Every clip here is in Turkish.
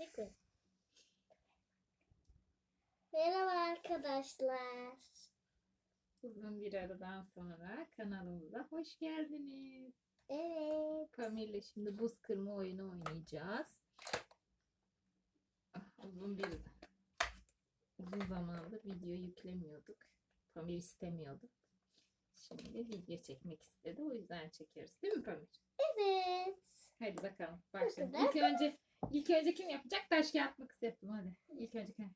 Çekme. Merhaba arkadaşlar. Uzun bir aradan sonra kanalımıza hoş geldiniz. Evet. Pamir'le şimdi buz kırma oyunu oynayacağız. Uzun zamandır video yüklemiyorduk. Pamir istemiyordu. Şimdi video çekmek istedi. O yüzden çekiyoruz. Değil mi Pamir? Evet. Hadi bakalım. Başlayalım. kadar. İlk önce kim yapacak? Taş kağıt makas yaptım hadi. İlk önce kim?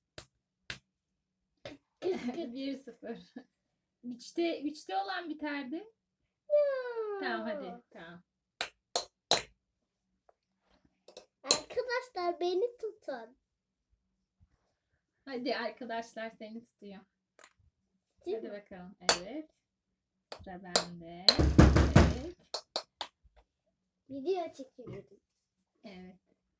1-0. Üçte olan biterdi. Tamam hadi. Tamam. Arkadaşlar beni tutun. Hadi arkadaşlar seni tutuyor. Değil Hadi mi? bakalım. Evet. Sıra bende. Evet. Video çekiyoruz. Evet.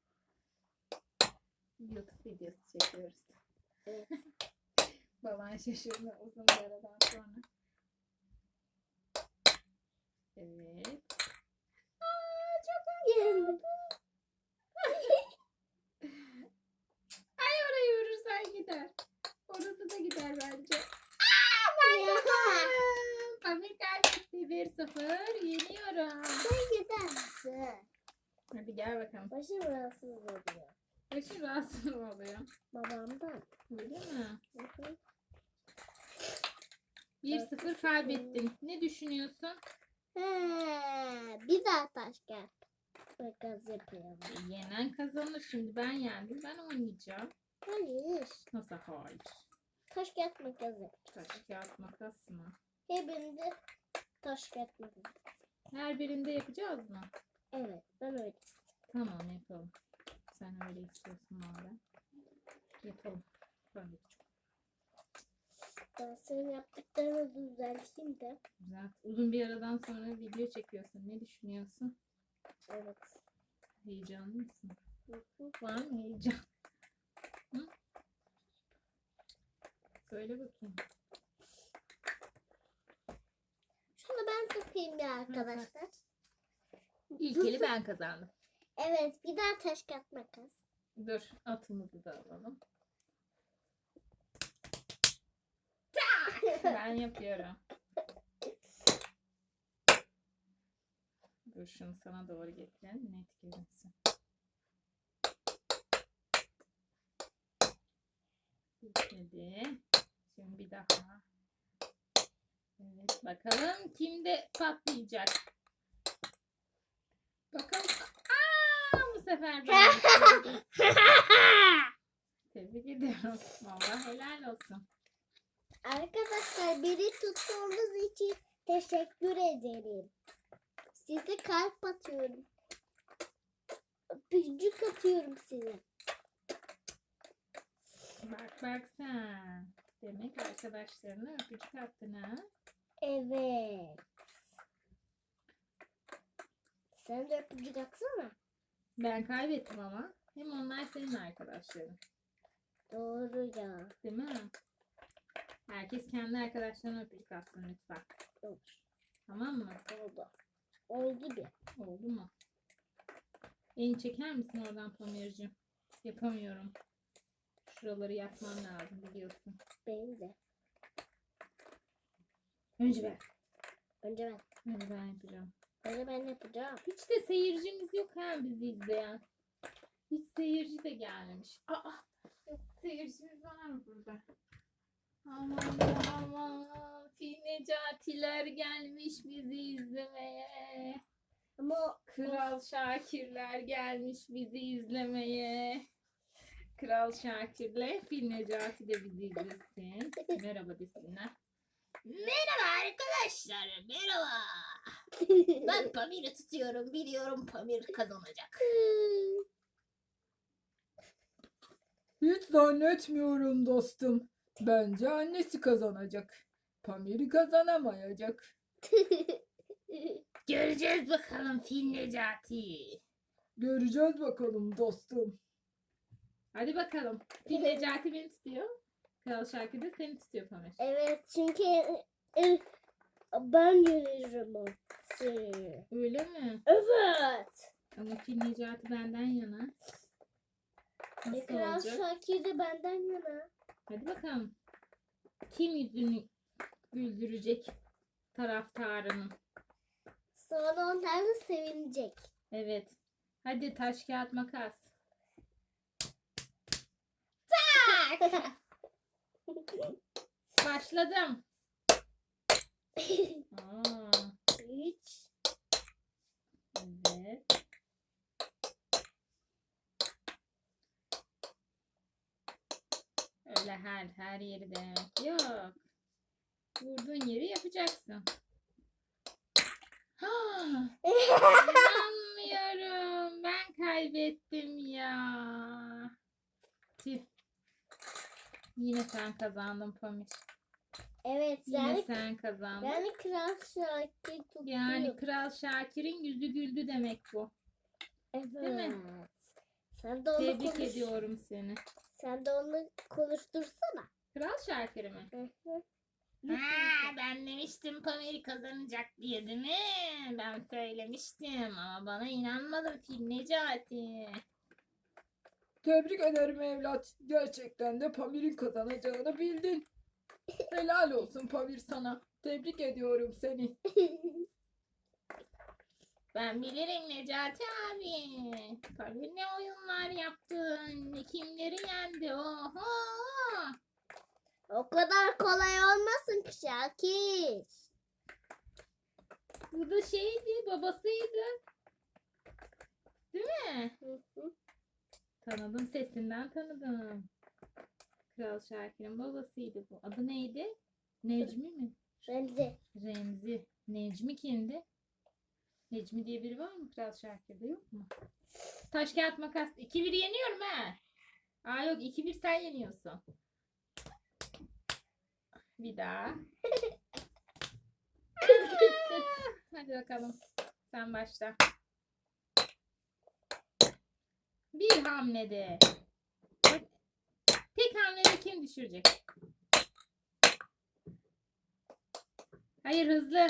YouTube videosu çekiyoruz. Evet. Baban şaşırdı uzun bir aradan sonra. Evet. Yendim. Ay orayı vurursan gider. Orası da gider bence. Pamir kaybetti 1-0. Yeniyorum. Sen gider misin? Hadi gel bakalım. Başım rahatsız oluyor. Başın rahatsız oluyor. Babamdan. Öyle mi? Hı hı. 1-0 kaybettin. Ne düşünüyorsun? Bir daha taş gel. Makas yapıyorum. Yenen kazanır. Şimdi ben yendim. Ben oynayacağım. Hayır. Nasıl hayır? Taş kağıt makas yap. Taş kağıt makas mı? Hepinde taş kağıt makas. Her birinde yapacağız mı? Evet, ben öyle. Tamam yapalım. Sen öyle istiyorsun madem. Yapalım. Tabii ki çok Ben senin yaptıklarını düzelteyim de. güzel. Uzun bir aradan sonra video çekiyorsun. Ne düşünüyorsun? Evet. Heyecanlı mısın? Hı hı. Var mı heyecan? Hı? Söyle bakayım. Şunu ben tutayım ya arkadaşlar. İlk eli ben kazandım. Evet, bir daha taş kağıt makas. Dur atımızı da alalım. Ben yapıyorum. Dur şunu sana doğru getirelim. Net görünsün. Bitmedi. Şimdi bir daha. Evet bakalım kimde patlayacak. Bakalım. Bu sefer ben. Tebrik ediyorum. Vallahi helal olsun. Arkadaşlar beni tuttuğunuz için teşekkür ederim. Size kalp atıyorum. Öpücük atıyorum size. Bak sen. Demek arkadaşlarına öpücük attın ha. Evet. Sen de öpücük atsana. Ben kaybettim ama. Hem onlar senin arkadaşların. Doğru ya. Değil mi? Herkes kendi arkadaşlarına öpücük atsın lütfen. Olur. Tamam mı? Oldu. Oldu bir. Oldu mu? Elini çeker misin oradan Pamir'cim? Yapamıyorum. Şuraları yapmam lazım biliyorsun. Benim de. Önce ben. Önce ben. Önce ben yapacağım. Önce ben yapacağım. Hiç de seyircimiz yok ha bizi izleyen. Hiç seyirci de gelmemiş. Aa, seyircimiz var mı burada? Aman aman. Fil Necatiler gelmiş bizi izlemeye. Ama Kral Şakirler gelmiş bizi izlemeye. Kral Şakir'le Fil Necati de bizi izlesin. Merhaba desinler. Merhaba arkadaşlar. Merhaba. Ben Pamir'i tutuyorum. Biliyorum Pamir kazanacak. Hiç zannetmiyorum dostum. Bence annesi kazanacak. Pamir kazanamayacak. Göreceğiz bakalım Fil Necati. Göreceğiz bakalım dostum. Hadi bakalım. Fil Necati beni tutuyor. Kral Şakir de seni tutuyor Pamir. evet çünkü ben yönetirim o seni. Öyle mi? Evet. Ama Fil Necati benden yana. Nasıl Kral olacak? Şakir de benden yana. Hadi bakalım. Kim yüzünü güldürecek taraftarının? Sonra onlar da sevinecek. Evet. Hadi taş kağıt makas. Başladım. Aa, 3. evet. Öyle her yeri denemek yok. Vurduğun yeri yapacaksın. Ha, inanmıyorum. Ben kaybettim ya. Tüh. Yine sen kazandın Pamir. Evet Yine yani, sen kazandın. yani Kral Şakir tuttu. Yani Kral Şakir'in yüzü güldü demek bu. Evet. Değil mi? Sen de onu Tebrik ediyorum seni. Sen de onu konuştursana. Kral Şakir mi? Hı hı. Ha, ben demiştim Pamir kazanacak diye değil mi? Ben söylemiştim ama bana inanmadın Fil Necati. Tebrik ederim evlat. Gerçekten de Pamir'in kazanacağını bildin. Helal olsun Pamir sana. Tebrik ediyorum seni. Ben bilirim Necati abi. Pamir ne oyunlar yaptın. Kimleri yendi. Oho. O kadar kolay olmasın ki Şakir. Bu da şeydi, babasıydı. Değil mi? Hı hı. Tanıdım, sesinden tanıdım. Kral Şakir'in babasıydı bu. Adı neydi? Necmi mi? Remzi. Remzi. Necmi kimdi? Necmi diye biri var mı Kral Şakir'de, yok mu? Taş kağıt makas. 2-1 yeniyorum ha. Aa yok, 2-1 sen yeniyorsun. Bir daha. Hadi bakalım. Sen başla. Bir hamlede. Tek hamlede kim düşürecek? Hayır, hızlı.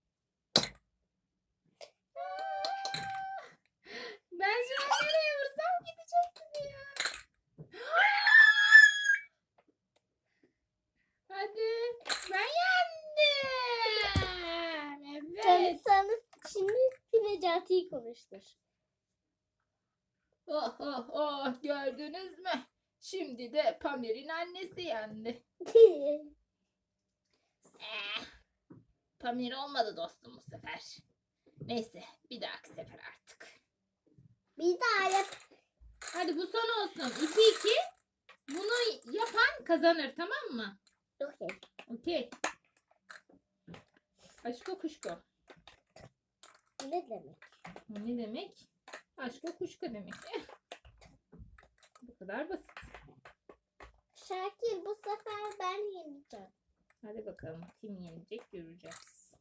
Ben şu an nereye vursam gidecektim ya. Hadi. Ben yendim. Evet. Sen şimdi Necati'yi konuştur. Oh oh oh, gördünüz mü? Şimdi de Pamir'in annesi yendi. Pamir olmadı dostum bu sefer. Neyse, bir dahaki sefer artık. Bir daha yap. Hadi bu son olsun. 2-2. Bunu yapan kazanır, tamam mı? Okey. Okey. Aşko kuşko. Ne demek? O ne demek? Aşko kuşko demek. Bu kadar basit. Şakir bu sefer ben yeneceğim. Hadi bakalım kim yenecek göreceğiz.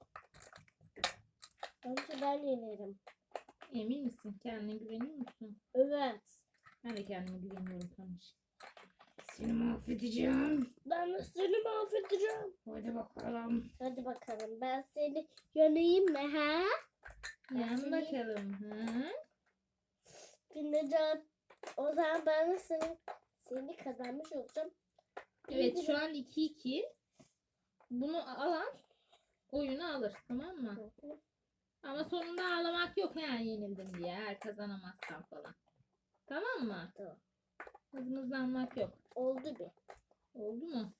Önce ben yenerim. Emin misin? Kendine güveniyor musun? Evet. Ben de kendime güveniyorum Pamir. Seni mahvedeceğim. Ben de seni mahvedeceğim. Hadi bakalım. Hadi bakalım ben seni yeneyim mi ha? Yan seni- bakalım. Hı? Necati. O zaman ben de seni kazanmış olacağım. Evet, şu an 2-2. Bunu alan oyunu alır, tamam mı? Ama sonunda ağlamak yok yani yenildim diye, eğer kazanamazsam falan. Tamam mı? Tamam. Hızlanmak yok. Oldu bir. Oldu mu?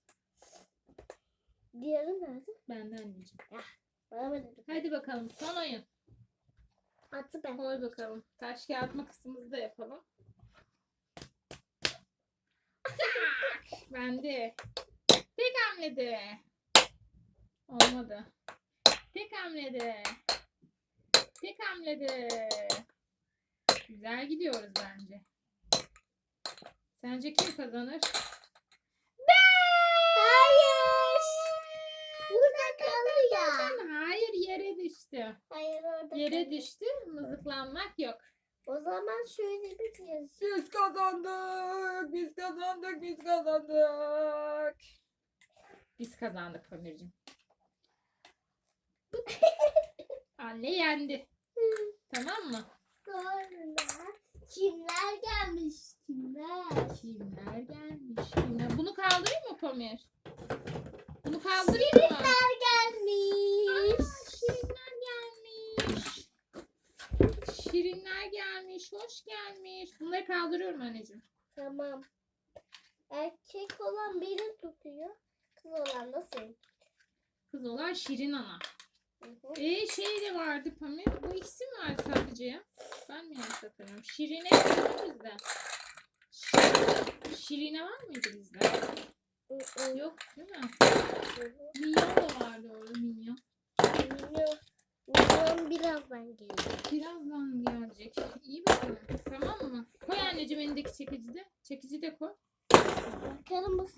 Diğeri nerede? Benden anneciğim. Bana mı dedi? Hadi bakalım, son oyun. Atı ben. Koy bakalım. Taş kağıt makasımızı da yapalım. Tak! Bende. Tek hamlede. Olmadı. Tek hamlede. Tek hamlede. Güzel gidiyoruz bence. Sence kim kazanır? Hayır. Burada kalıyor. Hayır, yere düştü. Hayır orada Yere kalıyor. düştü. Mızıklanmak yok. O zaman şöyle bir yazı. Biz kazandık. Biz kazandık. Biz kazandık. Biz kazandık Pamir'cim. Anne yendi. Tamam mı? Sonra kimler gelmiş? Kimler? Kimler gelmiş? Kimler? Bunu kaldırayım mı Pamir? Bunu kaldırayım mı? Gelmiş. Şirinler gelmiş. Şirinler gelmiş. Hoş gelmiş. Bunları kaldırıyorum anneciğim. Tamam. Erkek olan beni tutuyor. Kız olan da seni. Kız olan Şirin Ana. Hı hı. Şey de vardı Pamir. Bu ikisi mi var sadece ya? Ben mi yanlış hatırlıyorum? Şirine yok mu bizde? Şirine var mıydı bizde? Hı hı. Yok değil mi? Hı hı. Minyon da vardı orada Minyon. Milyon birazdan gelir. Birazdan mı gelecek? İyi bakalım. Tamam mı? Koy anneciğim elindeki çekici de. Çekici de koy. Bakalım bu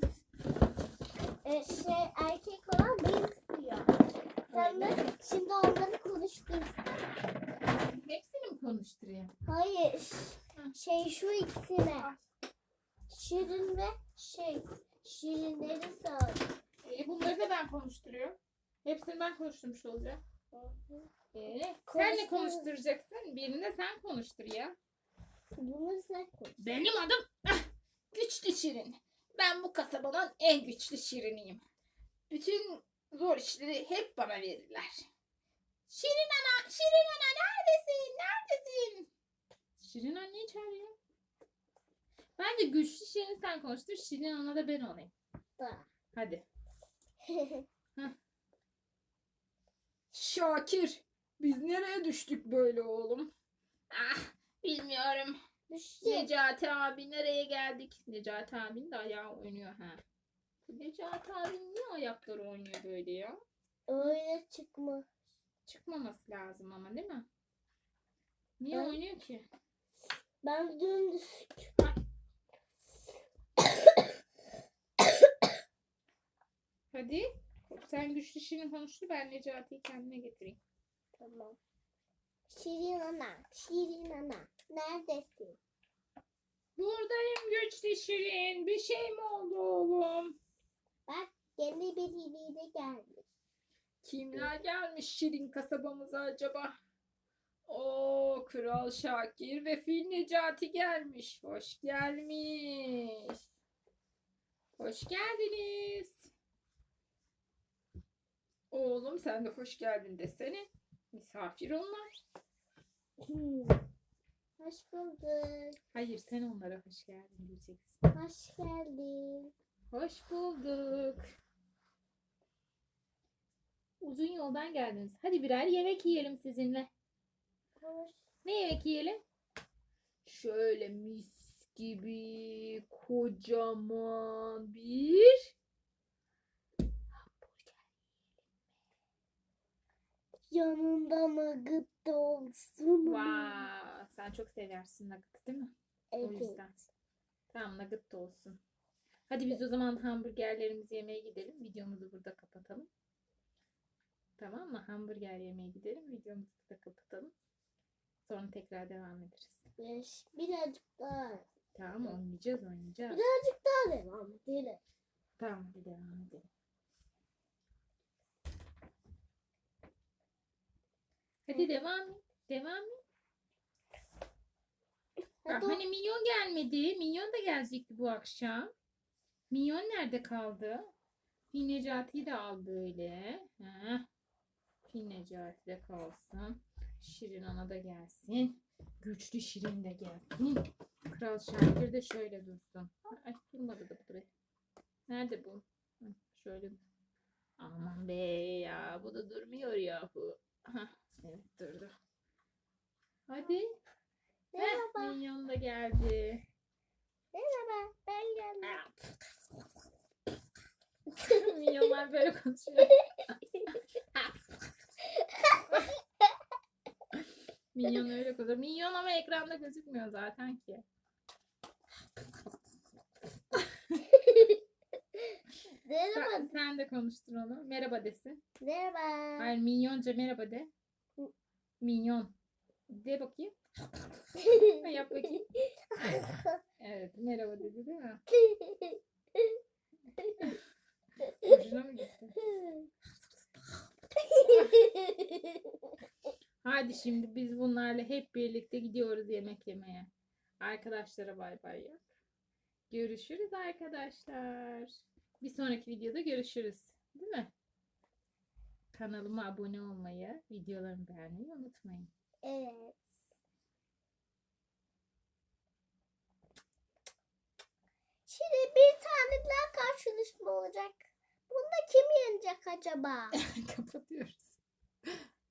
erkek olan beni tutuyor. Sen de şimdi onları konuştursun. Hepsini mi konuşturayım? Hayır. Şu ikisine. Şirin ve Şirinleri sağ. Bunları da ben konuşturuyorum. Hepsini ben konuşturmuş olacağım. Sen ne Konuştur. konuşturacaksın? Birini de sen konuştur ya. Bunu sen konuş. Benim adım Güçlü Şirin. Ben bu kasabanın en güçlü Şiriniyim. Bütün zor işleri hep bana verirler. Şirin ana, Şirin ana neredesin? Neredesin? Şirin anneyi çağırıyor. Bence Güçlü Şirin sen konuştur. Şirin ana da ben olayım. Da. Hadi. Şakir, biz nereye düştük böyle oğlum? Bilmiyorum. Düştü. Necati abi nereye geldik? Necati abinin de ayağı oynuyor ha. Necati abinin niye ayakları oynuyor böyle ya? Öyle çıkma. Çıkmaması lazım ama değil mi? Niye Evet. oynuyor ki? Ben dümdüz. Hadi. Sen Güçlü Şirin konuştu, ben Necati'yi kendine getireyim. Tamam. Şirin ana. Şirin ana. Neredesin? Buradayım Güçlü Şirin. Bir şey mi oldu oğlum? Bak yeni biri de gelmiş. Kimler gelmiş Şirin kasabamıza acaba? Oo, Kral Şakir ve Fil Necati gelmiş. Hoş gelmiş. Hoş geldiniz. Oğlum sen de hoş geldin desene. Misafir onlar. Hoş bulduk. Hayır, sen onlara hoş geldin diyeceksin. Hoş geldin. Hoş bulduk. Uzun yoldan geldiniz. Hadi birer yemek yiyelim sizinle. Hoş. Ne yemek yiyelim? Şöyle mis gibi kocaman bir Yanında nugget da olsun. Vaa, sen çok seversin nugget değil mi? O Evet. yüzden. Tamam, nugget da olsun. Hadi biz o zaman hamburgerlerimizi yemeye gidelim. Videomuzu burada kapatalım. Tamam mı? Hamburger yemeye gidelim. Videomuzu da kapatalım. Sonra tekrar devam ederiz. Birazcık daha. Tamam, oynayacağız. Birazcık daha devam edelim. Tamam, hadi devam edelim. Hadi devam et. Devam et. Hadi Hani Minyon gelmedi. Minyon da gelecekti bu akşam. Minyon nerede kaldı? Fil Necati'yi de al böyle. Fil Necati de kalsın. Şirin Ana da gelsin. Güçlü Şirin de gelsin. Kral Şakir de şöyle dursun. Ay, durmadı da bu da be. Nerede bu? Şöyle. Aman be ya. Bu da durmuyor yahu. Evet, durdu. Hadi. Merhaba. Minyon da geldi. Merhaba. Ben geldim. Minyonlar böyle konuşuyor. Minyon öyle konuşuyor. Minyon ama ekranda gözükmüyor zaten ki. Merhaba. Sen de konuştur onu. Merhaba desin. Merhaba. Hayır, minyonca merhaba de. Minyon. De bakayım. Yap bakayım. Evet, merhaba dedi değil mi? Hoşuna mı gitti? Hadi şimdi biz bunlarla hep birlikte gidiyoruz yemek yemeye. Arkadaşlara bay bay yap. Görüşürüz arkadaşlar. Bir sonraki videoda görüşürüz. Değil mi? Kanalıma abone olmayı, videolarımı beğenmeyi unutmayın. Evet. Şimdi bir tane daha karşılaşma olacak. Bunda kim yenecek acaba? Kapatıyoruz.